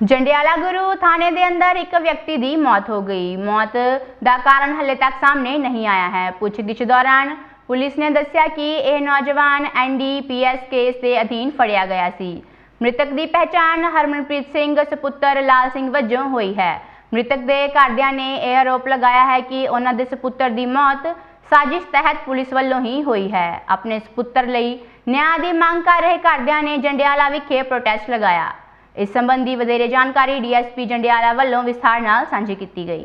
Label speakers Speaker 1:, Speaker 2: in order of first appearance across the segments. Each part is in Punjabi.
Speaker 1: ਜੰਡਿਆਲਾ ਗੁਰੂ ਥਾਣੇ ਦੇ ਅੰਦਰ ਇੱਕ ਵਿਅਕਤੀ ਦੀ ਮੌਤ ਹੋ ਗਈ। ਮੌਤ ਦਾ ਕਾਰਨ ਹਲੇ ਤੱਕ ਸਾਹਮਣੇ ਨਹੀਂ ਆਇਆ ਹੈ। ਪੁੱਛਗਿੱਛ ਦੌਰਾਨ ਪੁਲਿਸ ਨੇ ਦੱਸਿਆ ਕਿ ਇਹ ਨੌਜਵਾਨ NDPS ਕੇਸ ਦੇ ਅਧੀਨ ਫੜਿਆ ਗਿਆ ਸੀ। ਮ੍ਰਿਤਕ ਦੀ ਪਹਿਚਾਣ ਹਰਮਨਪ੍ਰੀਤ ਸਿੰਘ ਸੁਪੁੱਤਰ ਲਾਲ ਸਿੰਘ ਵਜੋਂ ਹੋਈ ਹੈ। ਮ੍ਰਿਤਕ ਦੇ ਘਰਦਿਆਂ ਨੇ ਇਹ ਆਰੋਪ ਲਗਾਇਆ ਹੈ ਕਿ ਉਹਨਾਂ ਦੇ ਸੁਪੁੱਤਰ ਦੀ ਮੌਤ ਸਾਜ਼ਿਸ਼ ਤਹਿਤ ਪੁਲਿਸ ਵੱਲੋਂ ਹੀ ਹੋਈ ਹੈ। ਆਪਣੇ ਸੁਪੁੱਤਰ ਲਈ ਨਿਆਂ ਦੀ ਮੰਗ ਕਰ ਰਹੇ ਘਰਦਿਆਂ ਨੇ ਜੰਡਿਆਲਾ ਵਿਖੇ ਪ੍ਰੋਟੈਸਟ ਲਗਾਇਆ। इस संबंधी वधेरे जानकारी DSP जंडियाला वालों विस्तार नाल सांझी की गई।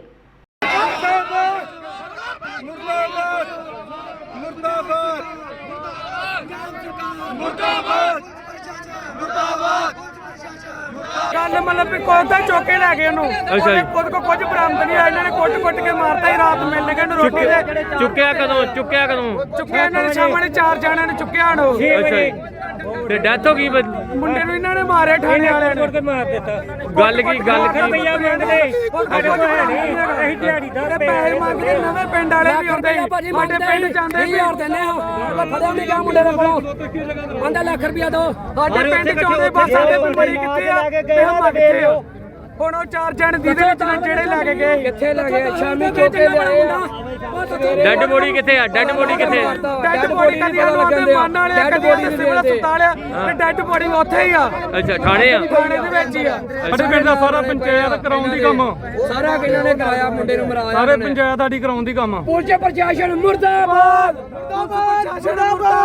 Speaker 2: गल मतलब भी खुद तो चौके लै गए खुद को कुछ बरामद नहीं आया। इन्होंने कुट के मारता ही रात मिलने गए रोटी
Speaker 3: चुक्या कदों
Speaker 2: इन्होंने सामने 4 जणियां ने चुक्या
Speaker 3: ते डेथ हो गई
Speaker 2: मुंडे नूं इन्होंने मारे ठाणे वाले ने मार दिता।
Speaker 3: गल की
Speaker 2: पैसे मंगदे नवे पिंड वाले भी आउंदे साडे पिंड जांदे भी देने फड़िया नहीं गया मुंडे दे कोल 5 लाख रुपया दो साडे पिंड च आउंदे बस साडे बड़ी कित्थे आ ते हम कित्थे हो ਹੁਣ ਉਹ 4 ਜਣ ਦੀ ਦੇ ਵਿੱਚ ਜਿਹੜੇ ਲੈ ਕੇ ਗਏ ਕਿੱਥੇ ਲੈ ਗਏ ਸ਼ਾਮੀ ਚੋਕੇ ਲਿਆਏ
Speaker 3: ਡੈਡ ਬੋਡੀ ਕਿੱਥੇ ਆ ਡੈਡ ਬੋਡੀ ਕਿੱਥੇ
Speaker 2: ਡੈਡ ਬੋਡੀ ਕਦੀ ਉਹਦੇ ਮਨ ਵਾਲੇ ਡੈਡ ਬੋਡੀ ਸਿਵਲ ਹਸਪਤਾਲ ਆ ਤੇ ਡੈਡ ਬੋਡੀ ਉੱਥੇ ਹੀ ਆ।
Speaker 3: ਅੱਛਾ ਥਾਣੇ ਆ
Speaker 2: ਥਾਣੇ ਦੇ ਵਿੱਚ ਹੀ ਆ। ਸਾਡੇ ਪਿੰਡ ਦਾ ਸਾਰਾ ਪੰਚਾਇਤ ਕਰਾਉਣ ਦੀ ਕੰਮ ਸਾਰਾ ਕਿਹਨਾਂ ਨੇ ਕਰਾਇਆ ਮੁੰਡੇ ਨੂੰ ਮਰਾਇਆ ਸਾਰੇ ਪੰਚਾਇਤ ਸਾਡੀ ਕਰਾਉਣ ਦੀ ਕੰਮ। ਪੁਲਿਸ ਪ੍ਰਸ਼ਾਸਨ ਮੁਰਦਾਬਾਦ।